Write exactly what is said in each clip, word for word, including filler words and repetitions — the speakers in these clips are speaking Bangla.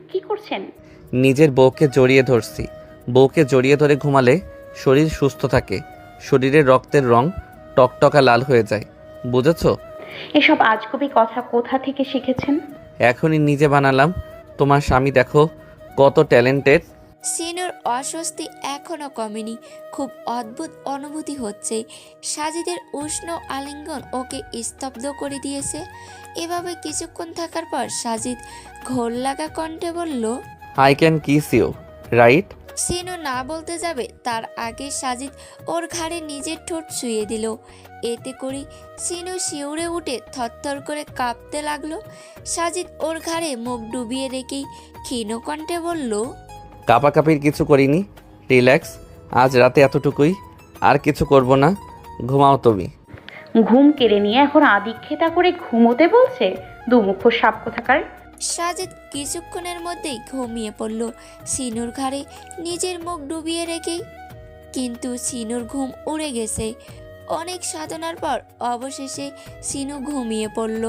কি করছেন? নিজের বউকে জড়িয়ে ধরছি। বউকে জড়িয়ে ধরে ঘুমালে শরীর সুস্থ থাকে, শরীরের রক্তের রং টকটকা লাল হয়ে যায়। বুঝেছো? এসব আজগুবি কথা কোথা থেকে শিখেছেন? এখনই নিজে বানালাম। তোমার স্বামী দেখো কত ট্যালেন্টেড। সিনুর অস্বস্তি এখনো কমেনি। খুব অদ্ভুত অনুভূতি হচ্ছে। সাজিদের উষ্ণ আলিঙ্গন ওকে স্তব্ধ করে দিয়েছে। এভাবে কিছুক্ষণ থাকার পর সাজিদ ঘোর লাগা কণ্ঠে বলল, I can kiss you, right? Sinu না বলতে যাবে তার আগে সাজিদ ওর ঘাড়ে নিজের ঠোঁট ছুঁয়ে দিল। এতে করে সিনু শিউরে উঠে থরথর করে কাঁপতে লাগলো। সাজিদ ওর ঘাড়ে মুখ ডুবিয়ে রেখেই ক্ষীণ কণ্ঠে বলল, কাপাকাপির কিছু করিনি, রিল্যাক্স। আজ রাতে এতটুকুই, আর কিছু করব না। ঘুমাও তুমি। ঘুম কেড়ে নিয়ে এখন আদিক্ষেতা করে ঘুমোতে বলছে? দুমুখো সাপ কোথাকার। সাজিদ কিছুক্ষণের মধ্যেই ঘুমিয়ে পড়ল সিনুর ঘাড়ে নিজের মুখ ডুবিয়ে রেখেই। কিন্তু সিনুর ঘুম উড়ে গেছে। অনেক সাধনার পর অবশেষে সিনু ঘুমিয়ে পড়ল।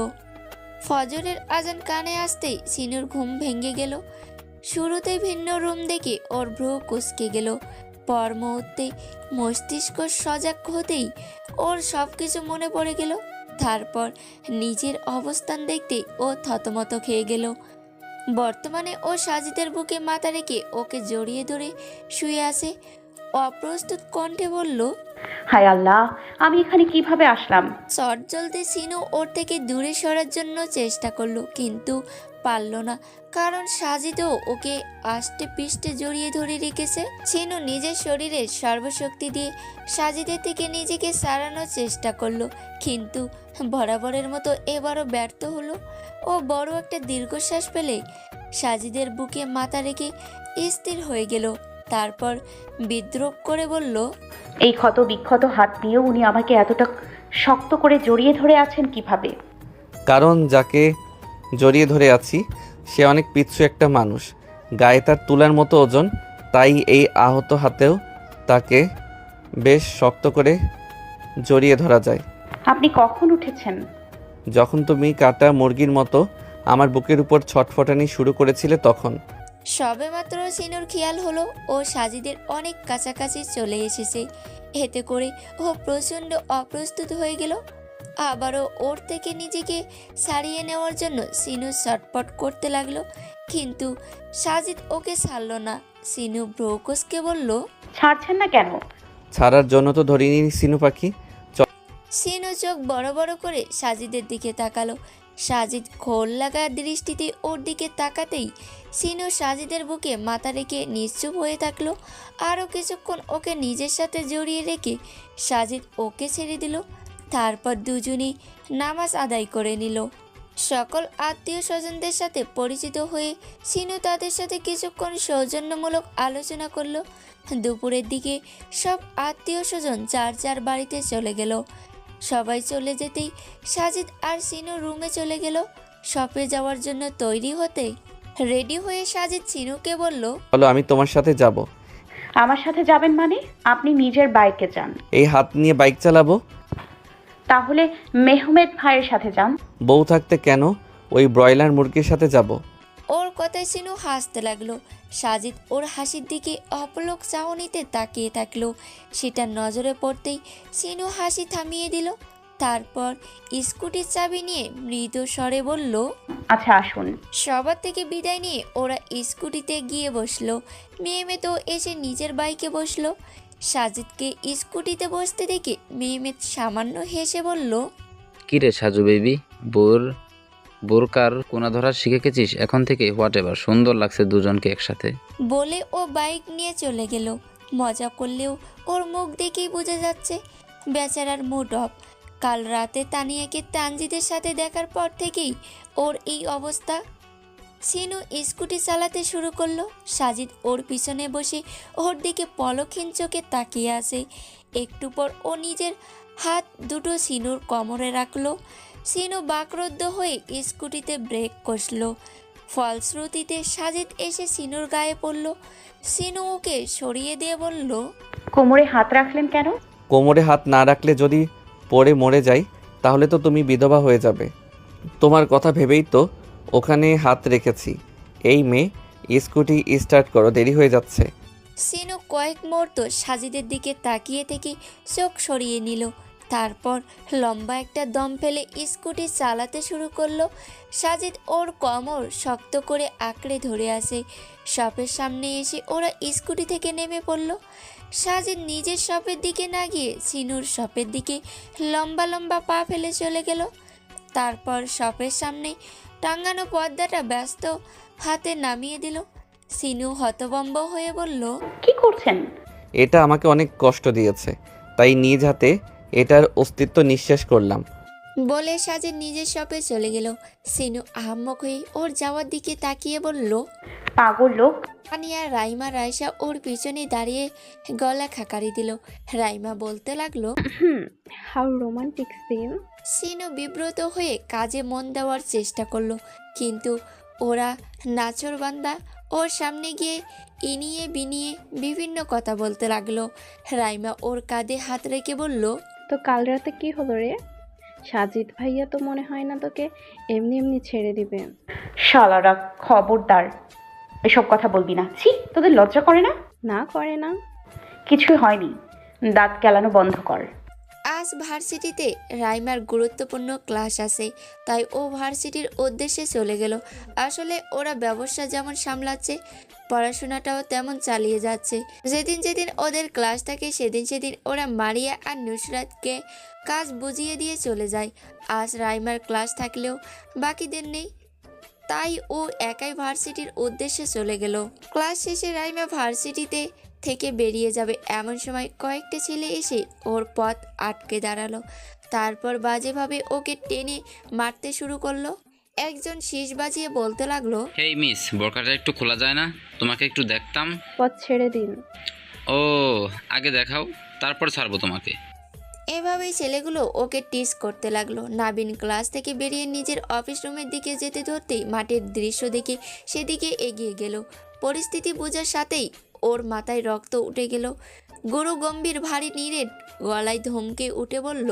ফজরের আজান কানে আসতেই সিনুর ঘুম ভেঙে গেল। শুরুতে ভিন্ন রুম দেখে ওর ভ্রু কুঁচকে গেল। পর মুহূর্তে মস্তিষ্ক সজাগ হতেই ওর সব কিছু মনে পড়ে গেল। তারপর নিজের অবস্থান দেখতে ও থতমত খেয়ে গেল। বর্তমানে ও সাজিদের বুকে মাথা রেখে ওকে জড়িয়ে ধরে শুয়ে আছে। অপ্রস্তুত কণ্ঠে বলল, হায় আল্লাহ, আমি এখানে কিভাবে আসলাম? চট জ্বলতে সিনু ওর থেকে দূরে সরার জন্য চেষ্টা করলো, কিন্তু পারল না। কারণ সাজিদও ওকে আষ্টে পিষ্টে জড়িয়ে ধরে রেখেছে। সিনু নিজের শরীরের সর্বশক্তি দিয়ে সাজিদের থেকে নিজেকে সারানোর চেষ্টা করলো, কিন্তু বরাবরের মতো এবারও ব্যর্থ হলো। ও বড় একটা দীর্ঘশ্বাস ফেলে সাজিদের বুকে মাথা রেখে স্থির হয়ে গেল। তারপর বিদ্রূপ করে বলল, এই ক্ষত বিক্ষত হাত দিয়ে উনি আমাকে এতটা শক্ত করে জড়িয়ে ধরে আছেন কিভাবে? কারণ যাকে জড়িয়ে ধরে আছি সে অনেক পিচ্ছু একটা মানুষ, গায়ে তার তুলার মতো ওজন। তাই এই আহত হাতেও তাকে বেশ শক্ত করে জড়িয়ে ধরা যায়। আপনি কখন উঠেছেন? যখন তুমি কাটা মুরগির মতো আমার বুকের উপর ছটফটানি শুরু করেছিলে তখন। সবেমাত্র সিনুর খেয়াল হলো ও সাজিদের অনেক কাছাকাছি চলে এসেছে। এতে করে ও প্রচণ্ড অপ্রস্তুত হয়ে গেল। আবারও ওর থেকে নিজেকে ছাড়িয়ে নেওয়ার জন্য সিনু ছটপট করতে লাগলো, কিন্তু সাজিদ ওকে ছাড়ল না। সিনু ব্রোকসকে বলল, ছাড়ছেন না কেন? ছাড়ার জন্য তো ধরিনি সিনু পাখি। সিনু চোখ বড় বড় করে সাজিদের দিকে তাকালো। সাজিদ খোল লাগা দৃষ্টিতে ওর দিকে তাকাতেই সিনু সাজিদের বুকে মাথা রেখে নিশ্চুপ হয়ে থাকলো। আরও কিছুক্ষণ ওকে নিজের সাথে জড়িয়ে রেখে সাজিদ ওকে ছেড়ে দিল। তারপর দুজনেই নামাজ আদায় করে নিল। সকল আত্মীয় স্বজনদের সাথে পরিচিত হয়ে সিনু তাদের সাথে কিছুক্ষণ সৌজন্যমূলক আলোচনা করলো। দুপুরের দিকে সব আত্মীয় স্বজন যার যার বাড়িতে চলে গেল। সবাই চলে যেতেই সাজিদ আর সিনু রুমে চলে গেল শপে যাওয়ার জন্য তৈরি হতে। রেডি হয়ে সাজিদ সিনুকে বলল, বলো আমি তোমার সাথে যাব। আমার সাথে যাবেন মানে? আপনি নিজের বাইকে যান। এই হাত নিয়ে বাইক চালাবো? তাহলে মেহমেদ ভাইয়ের সাথে যান। বউ থাকতে কেন ওই ব্রয়লার মুরগির সাথে যাব? ওর কথায় সিনু হাসতে লাগলো। সাজিদ ওর হাসির দিকে অপলক চাহনিতে তাকিয়ে থাকলো। সেটা নজরে পড়তেই সিনু হাসি থামিয়ে দিল। তারপর স্কুটির চাবি নিয়ে মৃদু স্বরে বলল, আচ্ছা আসুন। সবার থেকে বিদায় নিয়ে ওরা স্কুটিতে গিয়ে বসলো। মেহমেদ তো এসে নিজের বাইকে বসলো। সাজিদকে স্কুটিতে বসতে দেখে মেহমেদ সামান্য হেসে বলল, কিরে সাজু বেবি, বোর বোরকার কোনা ধরা শিখে গেছিস এখন থেকে? হোয়াট এভার, সুন্দর লাগছে দুজনকে একসাথে। বলে ও বাইক নিয়ে চলে গেল। মজা করলেও ওর মুখ দেখেই বোঝা যাচ্ছে বেচারার মুড অফ। কাল রাতে তানিয়াকে তানজিদের সাথে দেখার পর থেকেই ওর এই অবস্থা। সিনু স্কুটি চালাতে শুরু করলো। সাজিদ ওর পিছনে বসে ওর দিকে পলকহীন চোখে তাকিয়ে আছে। একটু পর ও নিজের হাত দুটো সিনুর কোমরে রাখলো। সিনু বাকরুদ্ধ হয়ে স্কুটিতে ব্রেক কষল। ফলশ্রুতিতে সাজিদ এসে সিনুর গায়ে পড়ল। সিনু ওকে সরিয়ে দিয়ে বলল, কোমরে হাত রাখলেন কেন? কোমরে হাত না রাখলে যদি পড়ে মরে যাই তাহলে তো তুমি বিধবা হয়ে যাবে। তোমার কথা ভেবেই তো ওখানে হাত রেখেছি। এই মেয়ে স্কুটি স্টার্ট করো, দেরি হয়ে যাচ্ছে। সিনু কয়েক মুহূর্ত সাজিদের দিকে তাকিয়ে থেকে চোখ সরিয়ে নিল। তারপর লম্বা একটা দম ফেলে স্কুটি চালাতে শুরু করলো। সাজিদ ওর কোমর শক্ত করে আঁকড়ে ধরে আসে। শপের সামনে এসে ওরা স্কুটি থেকে নেমে পড়ল। সাজিদ নিজের শপের দিকে না গিয়ে সিনুর শপের দিকে লম্বা লম্বা পা ফেলে চলে গেল। তারপর শপের সামনে টাঙ্গানো পর্দাটা ব্যস্ত হাতে নামিয়ে দিল। সিনু হতভম্ব হয়ে বলল, কি করছেন? এটা আমাকে অনেক কষ্ট দিয়েছে, তাই নিজ হাতে এটার অস্তিত্ব নিঃশেষ করলাম। বলে সাজিদ নিজের শপে চলে গেল। সিনু আহাম্মক হয়ে ওর যাওয়ার দিকে তাকিয়ে বলল, পাগল লোক। আনিয়া রাইমা রাইসা ওর পিছনে দাঁড়িয়ে গলা খাকারি দিল। রাইমা বলতে লাগলো, hmm, how romantic scene. Sinu বিব্রত হয়ে কাজে মন দেওয়ার চেষ্টা করলো, কিন্তু ওরা নাচরবান্দা ওর সামনে গিয়ে ইনিয়ে বিনিয়ে বিভিন্ন কথা বলতে লাগলো। রাইমা ওর কাঁধে হাত রেখে বলল, তো কাল রাতে কি হলো রে? সাজিদ ভাইয়া তো মনে হয় না তোকে এমনি এমনি ছেড়ে দিবে। শালারা, খবরদার এসব কথা বলবি না। ছি, তোদের লজ্জা করে না? না করে না। কিছুই হয়নি, দাঁত কেলানো বন্ধ কর। আজ ভার্সিটিতে রাইমার গুরুত্বপূর্ণ ক্লাস আছে, তাই ও ভার্সিটির উদ্দেশ্যে চলে গেল। আসলে ওরা ব্যবসা যেমন সামলাচ্ছে, পড়াশোনাটাও তেমন চালিয়ে যাচ্ছে। যেদিন যেদিন ওদের ক্লাস থাকে সেদিন সেদিন ওরা মারিয়া আর নুসরাতকে কাজ বুঝিয়ে দিয়ে চলে যায়। আজ রাইমার ক্লাস থাকলেও বাকিদের নেই, তাই ও একাই ভার্সিটির উদ্দেশ্যে চলে গেল। ক্লাস শেষে রাইমা ভার্সিটিতে থেকে বেরিয়ে যাবে এমন সময় কয়েকটা ছেলে এসে ওর পথ আটকে দাঁড়ালো। তারপর বাজেভাবে ওকে টেনে মারতে শুরু করলো। একজন শীষ বাজিয়ে বলতে লাগলো, হেই মিস, বোরকাটা একটু খোলা যায় না? তোমাকে একটু দেখতাম। পথ ছেড়ে দিন। ও, আগে দেখাও, তারপর ছাড়বো তোমাকে। এভাবেই ছেলেগুলো ওকে টিস করতে লাগলো। নাবিন ক্লাস থেকে বেরিয়ে নিজের অফিস রুমের দিকে যেতে ধরতেই মাঠের দৃশ্য দেখে সেদিকে এগিয়ে গেল। পরিস্থিতি বোঝার সাথেই ওর মাথায় রক্ত উঠে গেল। গুরু গম্ভীর ভারী নিরেট গলায় ধমকে উঠে বলল,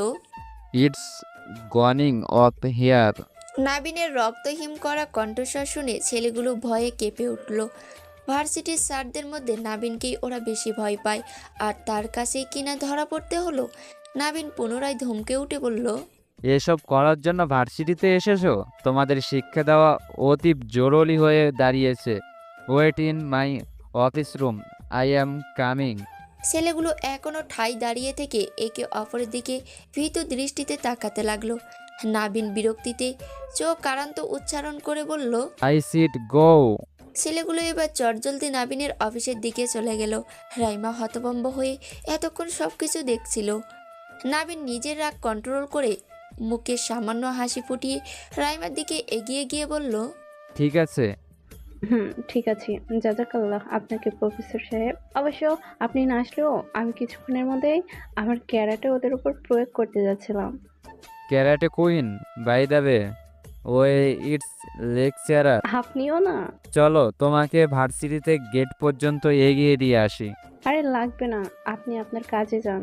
ইটস গনিং অফ হিয়ার। নাবিনের রক্তহীন করা কণ্ঠস্বর শুনে ছেলেগুলো ভয়ে কেঁপে উঠল। ভার্সিটির স্যারদের মধ্যে নাবিনকেই ওরা বেশি ভয় পায়, আর তার কাছেই কিনা ধরা পড়তে হলো। নাবিন পুনরায় ধমকে উঠে বলল, এসব করার জন্য ভার্সিটিতে এসেছো? তোমাদের শিক্ষা দেওয়া অতি জরুরি হয়ে দাঁড়িয়েছে। Wait in my office room, I am coming. ছেলেগুলো এখনো ঠাই দাঁড়িয়ে থেকে একে অপরের দিকে ভীতু দৃষ্টিতে তাকাতে লাগলো। নাবিন বিরক্তিতে চোখ কারান্ত উচ্চারণ করে বলল, আই সিট গো। ছেলেগুলো এবার চটজলদি নাবিনের অফিসের দিকে চলে গেল। রাইমা হতভম্ব হয়ে এতক্ষণ সব কিছু দেখছিল। নাবিন নিজের রাগ কন্ট্রোল করে মুখে সামান্য হাসি ফুটিয়ে রাইমার দিকে এগিয়ে গিয়ে বলল, ঠিক আছে। হুম, ঠিক আছে। জাজাকাল্লাহ আপনাকে প্রফেসর সাহেব। অবশ্য আপনি না আসলেও আমি কিছুক্ষণের মধ্যেই আমার ক্যারাটে ওদের উপর প্রয়োগ করতে যাচ্ছিলাম। Karate queen by the way, way it's lecturer. আপনিও না? চলো তোমাকে ভার্সিটিতে গেট পর্যন্ত এগিয়ে দিয়ে আসি। আরে লাগবে না, আপনি আপনার কাজে যান।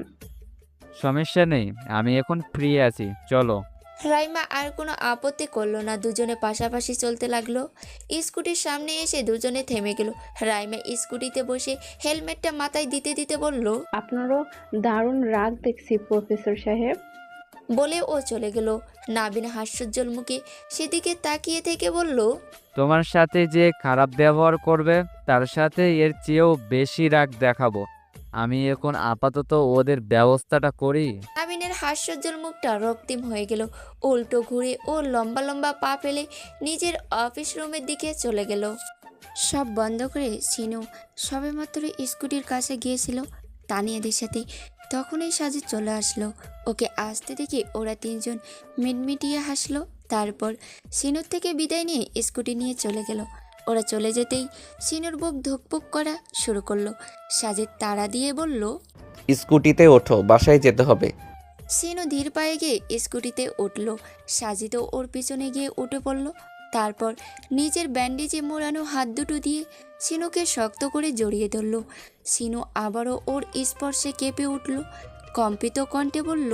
সমস্যা নেই, আমি এখন ফ্রি আছি, চলো। রাইমা আর কোনো আপত্তি করলো না। দুজনে পাশাপাশি চলতে লাগলো। স্কুটির সামনে এসে দুজনে থেমে গেল। রাইমা স্কুটিতে বসে হেলমেটটা মাথায় দিতে দিতে বলল, আপনারও দারুণ রাগ দেখছি প্রফেসর সাহেব। বলে ও চলে গেল। নাবিন হাস্যোজ্জ্বল মুখে সেদিকে তাকিয়ে থেকে বলল, তোমার সাথে যে খারাপ ব্যবহার করবে তার সাথে এর চেয়েও বেশি রাগ দেখাবো। আমি এখন আপাতত ওদের ব্যবস্থাটা করি। নাবিনের হাস্যোজ্জ্বল মুখটা রক্তিম হয়ে গেল। উল্টো ঘুরে ও লম্বা লম্বা পা ফেলে নিজের অফিস রুমের দিকে চলে গেল। সব বন্ধ করে সিনু সবেমাত্র স্কুটির কাছে গিয়েছিল তানিয়াদের সাথে, তখনই সাজিদ চলে আসলো। ওকে আসতে দেখে ওরা তিনজন মিটমিটিয়ে হাসলো। তারপর সিনুর থেকে বিদায় নিয়ে স্কুটি নিয়ে চলে গেল। ওরা চলে যেতেই সিনুর বুক ধুকপুক করা শুরু করলো। সাজিদ তাড়া দিয়ে বলল, স্কুটিতে ওঠো, বাসায় যেতে হবে। সিনু ধীর পায়ে গিয়ে স্কুটিতে উঠল। সাজিদও ওর পিছনে গিয়ে উঠে পড়ল। তারপর নিজের ব্যান্ডেজে মোড়ানো হাত দুটো দিয়ে সিনুকে শক্ত করে জড়িয়ে ধরল। সিনু আবারও ওর স্পর্শে কেঁপে উঠল। কম্পিত কণ্ঠে বলল,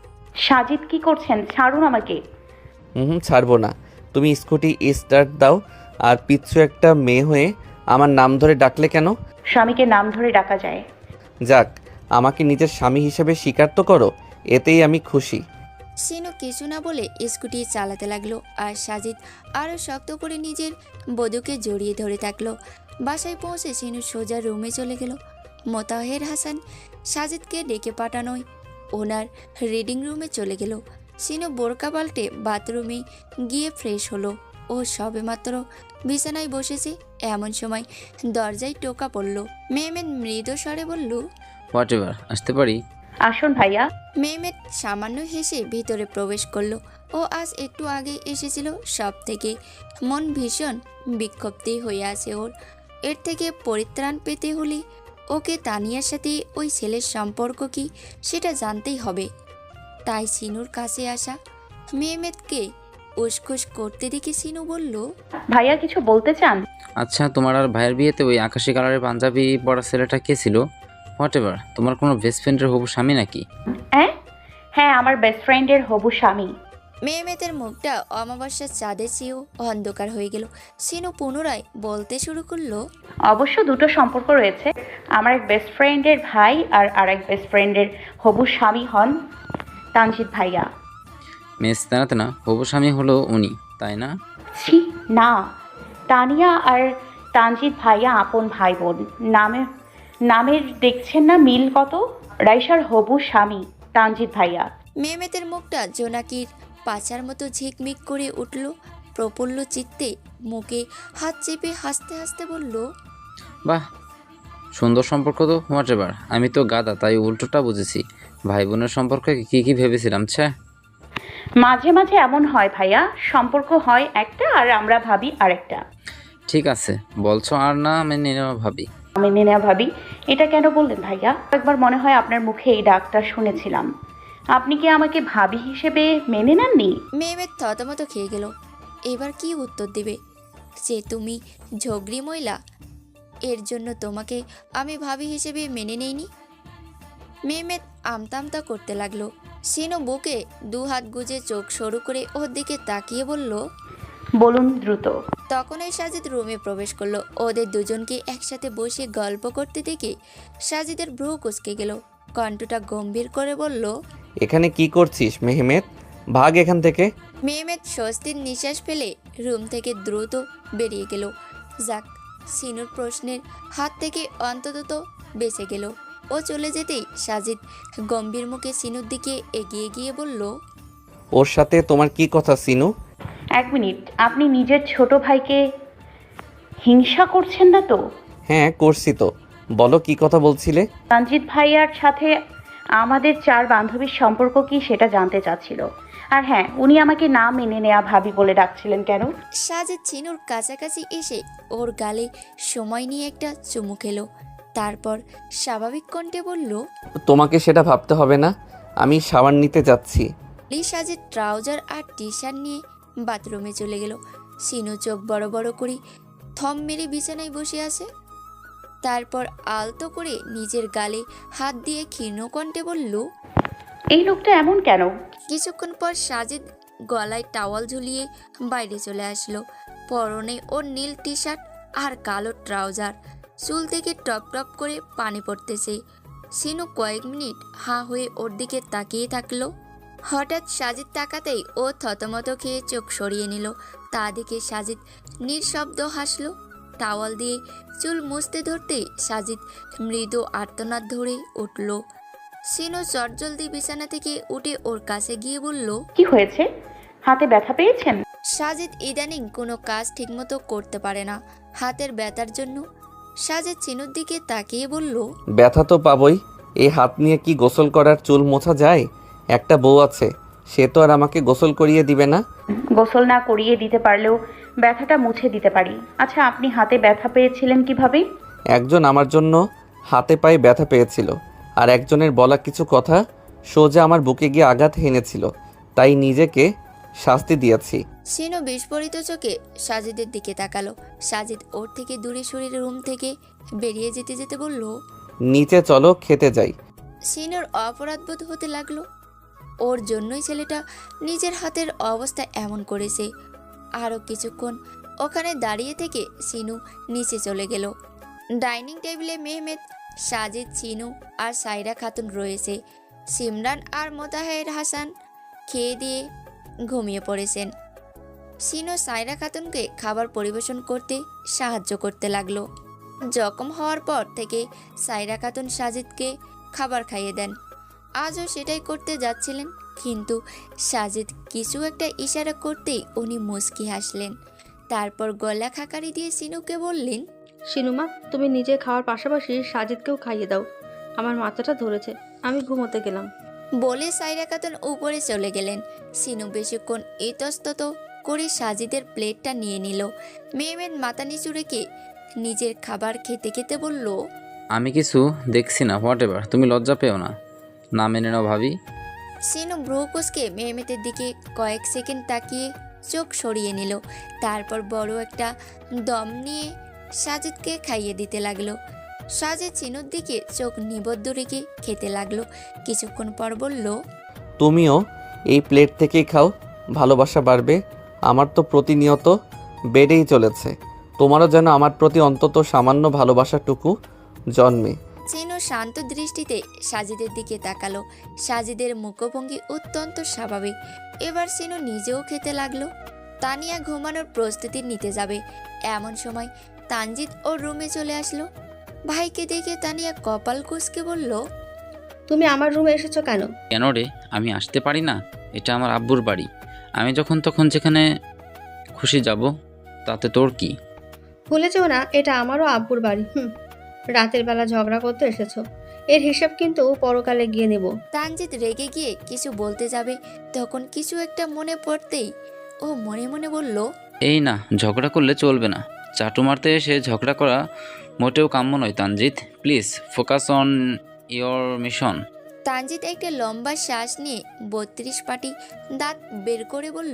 সাজিদ কি করছেন? ছাড়ুন আমাকে। হুম ছাড়বো না। তুমি স্কুটি স্টার্ট দাও, আর পিচ্ছু একটা মেয়ে হয়ে আমার নাম ধরে ডাকলে কেন? স্বামীকে নাম ধরে ডাকা যায়। যাক, আমাকে নিজের স্বামী হিসেবে স্বীকার তো করো, এতেই আমি খুশি। সিনু কিছু না বলে স্কুটি চালাতে লাগলো আর সাজিদ আরও শক্ত করে নিজের বধূকে জড়িয়ে ধরে থাকলো। বাসায় পৌঁছে সিনু সোজা রুমে চলে গেল। মোতাহের হাসান সাজিদকে ডেকে পাঠানোয় ওনার রিডিং রুমে চলে গেল। সিনু বোরকা পাল্টে বাথরুমে গিয়ে ফ্রেশ হলো। ও সবেমাত্র বিছানায় বসেছে, এমন সময় দরজায় টোকা পড়ল। মেহমেদ মৃদু স্বরে বলল, হোয়াট এভার, আসতে পারি? আসুন ভাইয়া। মেহমেদ সামান্য হেসে ভিতরে প্রবেশ করলো। ও আজ একটু আগে এসেছিল, সব থেকে মন ভীষণ বিক্ষুব্ধই হয়ে আছে ওর। এর থেকে পরিত্রাণ পেতে হলে ওকে তানিয়ার সাথে ওই ছেলের সম্পর্ক কি সেটা জানতেই হবে। তাই সিনুর কাছে আসা। মেহমেদকে উসখুস করতে দেখে সিনু বলল, ভাইয়া কিছু বলতে চান? আচ্ছা, তোমার আর ভাইয়ের বিয়েতে ওই আকাশি কালারের পাঞ্জাবি পরা ছেলেটা কে ছিল? হোয়াট এভার, তোমার কোনো বেস্ট ফ্রেন্ডের হবু স্বামী নাকি? হ্যাঁ হ্যাঁ আমার বেস্ট ফ্রেন্ডের হবু স্বামী। মেহমেদের মুখটা অমাবস্যার চাঁদের চেয়েও অন্ধকার হয়ে গেল। সিনু পুনরায় বলতে শুরু করলো, অবশ্য দুটো সম্পর্ক রয়েছে। আমার এক বেস্ট ফ্রেন্ডের ভাই আর আরেক বেস্ট ফ্রেন্ডের হবু স্বামী হন তানজিদ ভাইয়া। মেস জানাতে না, হবু স্বামী হলো উনি, তাই না? ছি না, তানিয়া আর তানজিদ ভাইয়া আপন ভাই বোন। নামে নামের দেখছেন না মিল কত? রাইসার হবু স্বামী তানজিদ ভাইয়া। মেহমেদের মুখটা জোনাকির পাচার মতো ঝিকমিক করে উঠল। প্রফুল্ল চিত্তে মুখে হাত চেপে হাসতে হাসতে বলল, বাহ, সুন্দর সম্পর্ক তো। হোয়াট এভার, আমি তো গাদা, তাই উল্টোটা বুঝেছি। ভাই বোনের সম্পর্কে কি কি ভেবেছিলাম। ছ্যা, মাঝে মাঝে এমন হয় ভাইয়া, সম্পর্ক হয় একটা আর আমরা ভাবি আরেকটা। ঠিক আছে বলছো আর না মেনে নেওয়া ভাবি। মেনে নেওয়া ভাবি, এটা কেন বললেন ভাইয়া? একবার মনে হয় আপনার মুখে এই ডাকটা শুনেছিলাম। আপনি কি আমাকে ভাবি হিসেবে মেনে নেননি? মেহমেদ থতমত খেয়ে গেল। এবার কি উত্তর দেবে? যে তুমি ঝগড়ি মহিলা, এর জন্য তোমাকে আমি ভাবি হিসেবে মেনে নেইনি। মেহমেদ আমতামতা করতে লাগলো। সিনু বুকে দু হাত গুজে চোখ সরু করে ওর দিকে তাকিয়ে বলল, বলুন দ্রুত। তখনই সাজিদ রুমে প্রবেশ করলো। ওদের দুজনকে একসাথে বসে গল্প করতে দেখে সাজিদের ভ্রু কুঁচকে গেল। কণ্ঠটা গম্ভীর করে বলল, এখানে কি করছিস মেহমেদ? ভাগ এখান থেকে। মেহমেদ স্বস্তির নিঃশ্বাস ফেলে রুম থেকে দ্রুত বেরিয়ে গেল। যাক, সিনুর প্রশ্নের হাত থেকে অন্তত বেঁচে গেল। ও চলে যেতেই সাজিদ গম্ভীর মুখে সিনুর দিকে এগিয়ে গিয়ে বলল, ওর সাথে তোমার কি কথা সিনু? এক মিনিট, আপনি নিজের ছোট ভাইকে হিংসা করছেন না তো? হ্যাঁ করছি তো, বলো কি কথা বলছিলে? তানজিদ ভাইয়ার সাথে আমাদের চার বান্ধবীর সম্পর্ক কি সেটা জানতে চাচ্ছিল। আর হ্যাঁ, উনি আমাকে না মেনে নেওয়া ভাবি বলে ডাকছিলেন কেন? সাজিদ সিনুর কাছাকাছি এসে ওর গালে সময় নিয়ে একটা চুমু খেলো। তারপর স্বাভাবিক কণ্ঠে বলল, তোমাকে সেটা ভাবতে হবে না, আমি শাওয়ার নিতে যাচ্ছি। লি সাজিদ ট্রাউজার আর টি শার্ট নিয়ে বাথরুমে চলে গেল। সিনু চোখ বড় বড় করে থম মেরে বিছানায় বসে আছে। তারপর আলতো করে নিজের গালে হাত দিয়ে ক্ষীণ কণ্ঠে বলল, এই লোকটা এমন কেন? কিছুক্ষণ পর সাজিদ গলায় টাওয়াল ঝুলিয়ে বাইরে চলে আসলো। পরনে ওর নীল টি শার্ট আর কালো ট্রাউজার, চুল থেকে টপ টপ করে পানি পড়তেছে। সিনু কয়েক মিনিট হাঁ হয়ে ওর দিকে তাকিয়ে থাকলো। হঠাৎ সাজিদ তাকাতেই ও থতমত খেয়ে চোখ সরিয়ে নিল। তা দেখে সাজিদ নিঃশব্দ হাসলো। টাওয়াল দিয়ে চুল মুছতে ধরতেই সাজিদ মৃদু আর্তনাদ ধরে উঠল। সিনু চটজলদি বিছানা থেকে উঠে ওর কাছে গিয়ে বলল, কি হয়েছে? হাতে ব্যথা পেয়েছেন? সাজিদ ইদানিং কোনো কাজ ঠিকমতো করতে পারে না হাতের ব্যথার জন্য। সাজিদ সিনুর দিকে তাকিয়ে বলল, ব্যথা তো পাবই, এই হাত নিয়ে কি গোসল করার চুল মোছা যায়? একটা বউ আছে, সে তো আর আমাকে গোসল করিয়ে দিবে না। গোসল না করিয়ে দিতে পারলেও ব্যথাটা মুছে দিতে পারি। আচ্ছা, আপনি হাতে ব্যথা পেয়েছিলেন কিভাবে? একজন আমার জন্য হাতে পায়ে ব্যথা পেয়েছিল, আর একজনের বলা কিছু কথা সোজা আমার বুকে গিয়ে আঘাত হেনেছিল, তাই নিজেকে শাস্তি দিয়েছি। সিনু বিস্ফোরিত চোখে সাজিদের দিকে তাকালো। সাজিদ ওর থেকে দূরে সরে রুম থেকে বেরিয়ে যেতে যেতে বলল, নিচে চলো খেতে যাই। সিনুর অপরাধবোধ হতে লাগলো। ওর জন্যই ছেলেটা নিজের হাতের অবস্থা এমন করেছে। আরও কিছুক্ষণ ওখানে দাঁড়িয়ে থেকে সিনু নিচে চলে গেল। ডাইনিং টেবিলে মেহমেদ, সাজিদ, সিনু আর সাইরা খাতুন রয়েছে। সিমরান আর মোতাহের হাসান খেয়ে দিয়ে ঘুমিয়ে পড়েছেন। সিনু সাইরা খাতুনকে খাবার পরিবেশন করতে সাহায্য করতে লাগলো। জখম হওয়ার পর থেকে সাইরা খাতুন সাজিদকে খাবার খাইয়ে দেন। আজও সেটাই করতে যাচ্ছিলেন, কিন্তু সাজিদ কিছু একটা ইশারা করতেই উনি মুচকি হাসলেন। তারপর গলা খাকারি দিয়ে সিনুকে বললেন, শিনুমা, তুমি নিজে খাওয়ার পাশাপাশি সাজিদকেও খাইয়ে দাও, আমার মাথাটা ধরেছে, আমি ঘুমোতে গেলাম। বলে সাইরা খাতুন উপরে চলে গেলেন। সিনু বেশিক্ষণ ইতস্তত করে সাজিদের প্লেটটা নিয়ে নিল। মেহমেদ মাথা নিচু রেখে নিজের খাবার খেতে খেতে বলল, আমি কিছু দেখছি না, হোয়াট এভার, তুমি লজ্জা পেও না, না মেনে নাও ভাবি। সিনু ভ্রু কুঁচকে মেহমেদের দিকে কয়েক সেকেন্ড তাকিয়ে চোখ সরিয়ে নিল। তারপর বড় একটা দম নিয়ে সাজিদকে খাইয়ে দিতে লাগলো। সাজিদ সিনুর দিকে চোখ নিবদ্ধ রেখে খেতে লাগলো। কিছুক্ষণ পর বলল, তুমিও এই প্লেট থেকেই খাও, ভালোবাসা বাড়বে। আমার তো প্রতিনিয়ত বেড়েই চলেছে, তোমারও যেন আমার প্রতি অন্তত সামান্য ভালোবাসাটুকু জন্মে। সিনু শান্ত দৃষ্টিতে সাজিদের দিকে তাকালো। সাজিদের মুখভঙ্গি অত্যন্ত স্বাভাবিক। এবার সিনু নিজেও খেতে লাগলো। তানিয়া ঘুমানোর প্রস্তুতি নিতে যাবে, এমন সময় তানজিৎ ওর রুমে চলে আসলো। ভাইকে দেখে তানিয়া কপাল কুঁচকে বলল, তুমি আমার রুমে এসেছো কেন? কেন রে, আমি আসতে পারি না? এটা আমার আব্বুর বাড়ি, আমি যখন তখন যেখানে খুশি যাব, তাতে তোর কি? ভুলে যেও না, এটা আমারও আব্বুর বাড়ি। হুম, রাতের বেলা ঝগড়া করতে এসেছো, এর হিসাব কিন্তু পরকালে গিয়ে নেব। তানজিৎ রেগে গিয়ে কিছু বলতে যাবে, তখন কিছু একটা মনে পড়তেই ও মনে মনে বলল, এই না, ঝগড়া করলে চলবে না। চাটু মারতে এসে ঝগড়া করা মোটেও কাম্য নয় Tanjit, please focus on your mission. Tanjit একটা লম্বা শ্বাস নিয়ে বত্রিশ পাটি দাঁত বের করে বলল,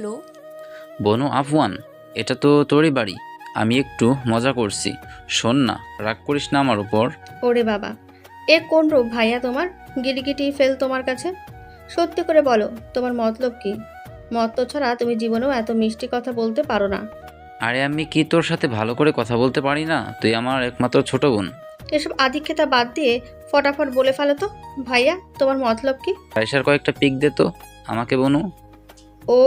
বনু আফওয়ান, এটা তো তোরই বাড়ি, আমি একটু মজা করছি, শোন না, রাগ করিস না আমার উপর। ওরে বাবা, এ কোন রূপ ভাইয়া তোমার? গিরিগিটি ফেল তোমার কাছে। সত্যি করে বলো, তোমার মতলব কি? মত ছাড়া তুমি জীবনেও এত মিষ্টি কথা বলতে পারো না। আরে আমি কি তোর সাথে ভালো করে কথা বলতে পারি না? তুই আমার একমাত্র ছোট বোন। এসব আধিক্যতা বাদ দিয়ে ফটাফট বলে ফেলো তো, ভাইয়া তোমার মতলব কি? পয়সার কয়েকটা পিক দে তো আমাকে বনু। ও,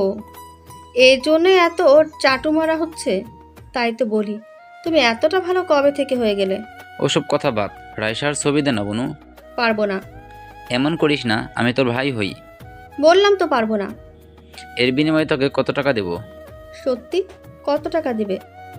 এই জন্য এত চাটু মারা হচ্ছে? তাই তো বলি, তুমি এতটা ভালো কবে থেকে হয়ে গেলে? ওসব কথা বাদ, রাইসার ছবি দে না বনু। পারবো না। এমন করিস না, আমি তোর ভাই হই। বললাম তো পারবো না। এর বিনিময়ে তোকে কত টাকা দেব? সত্যি? কত টাকা দিবে?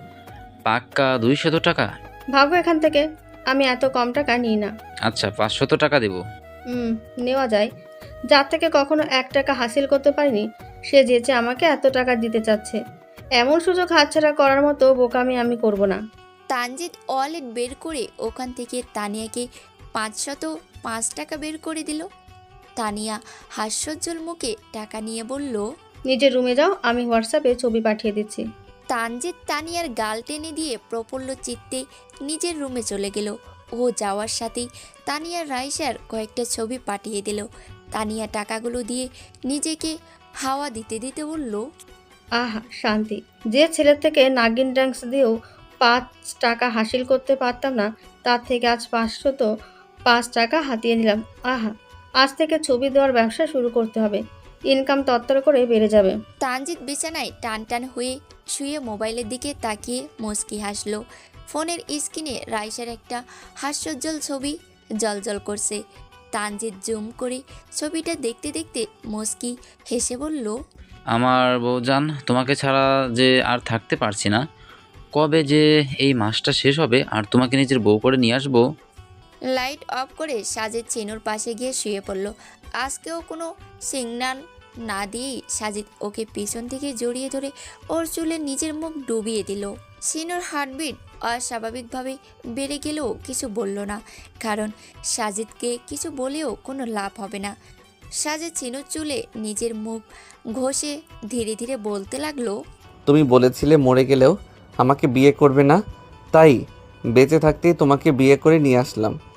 পাক্কা দুইশত টাকা। ভাগো এখান থেকে, আমি এত কম টাকা নিই না। আচ্ছা, পাঁচশত টাকা দেব। হুম, নেওয়া যায়। যার থেকে কখনো এক টাকা হাসিল করতে পারিনি, সে যেচে আমাকে এত টাকা দিতে চাচ্ছে। এমন সুযোগ হাতছাড়া করার মতো বোকামি আমি করব না। তানজিৎ ওয়ালেট বের করে ওখান থেকে তানিয়াকে পাঁচশত পাঁচ টাকা বের করে দিল। তানিয়া হাস্যোজ্জ্বল মুখে টাকা নিয়ে বলল, নিজের রুমে যাও, আমি হোয়াটসঅ্যাপে ছবি পাঠিয়ে দিচ্ছি। তানজিৎ তানিয়ার গাল টেনে দিয়ে প্রফুল্ল চিত্তে নিজের রুমে চলে গেল। ও যাওয়ার সাথেই তানিয়া রাইসার কয়েকটা ছবি পাঠিয়ে দিল। তানিয়া টাকাগুলো দিয়ে নিজেকে হাওয়া দিতে দিতে বলল, আহা শান্তি, যে ছেলের থেকে নাগিন ড্যান্স দিয়েও পাঁচ টাকা হাসিল করতে পারতাম না, তার থেকে আজ পাঁচশত পাঁচ টাকা হাতিয়ে নিলাম। আহা, আজ থেকে ছবি দেওয়ার ব্যবসা শুরু করতে হবে, ইনকাম তত্তর করে বেড়ে যাবে। তানজিৎ বিছানায় টান টান হয়ে শুয়ে মোবাইলের দিকে তাকিয়ে মুচকি হাসলো। ফোনের স্ক্রিনে রাইসার একটা হাস্যোজ্জ্বল ছবি জলজল করছে। তানজিৎ জুম করে ছবিটা দেখতে দেখতে মুচকি হেসে বলল, আমার বউজান, তোমাকে ছাড়া যে আর থাকতে পারছি না। কবে যে এই মাসটা শেষ হবে আর তোমাকে নিজের বউ করে নিয়ে আসবো। লাইট অফ করে সাজিদ চিনুর পাশে গিয়ে শুয়ে পড়ল। আজকেও কোনো সিগন্যাল না দিয়েই সাজিদ ওকে পিছন থেকে জড়িয়ে ধরে ওর চুলে নিজের মুখ ডুবিয়ে দিল। সিনুর হার্টবিট অস্বাভাবিকভাবে বেড়ে গেলেও কিছু বলল না, কারণ সাজিদকে কিছু বলেও কোনো লাভ হবে না। সাজিদ চিনুর চুলে নিজের মুখ ঘষে ধীরে ধীরে বলতে লাগলো, তুমি বলেছিলে মরে গেলেও আমাকে বিয়ে করবে না, তাই বেঁচে থাকতেই তোমাকে বিয়ে করে নিয়ে আসলাম।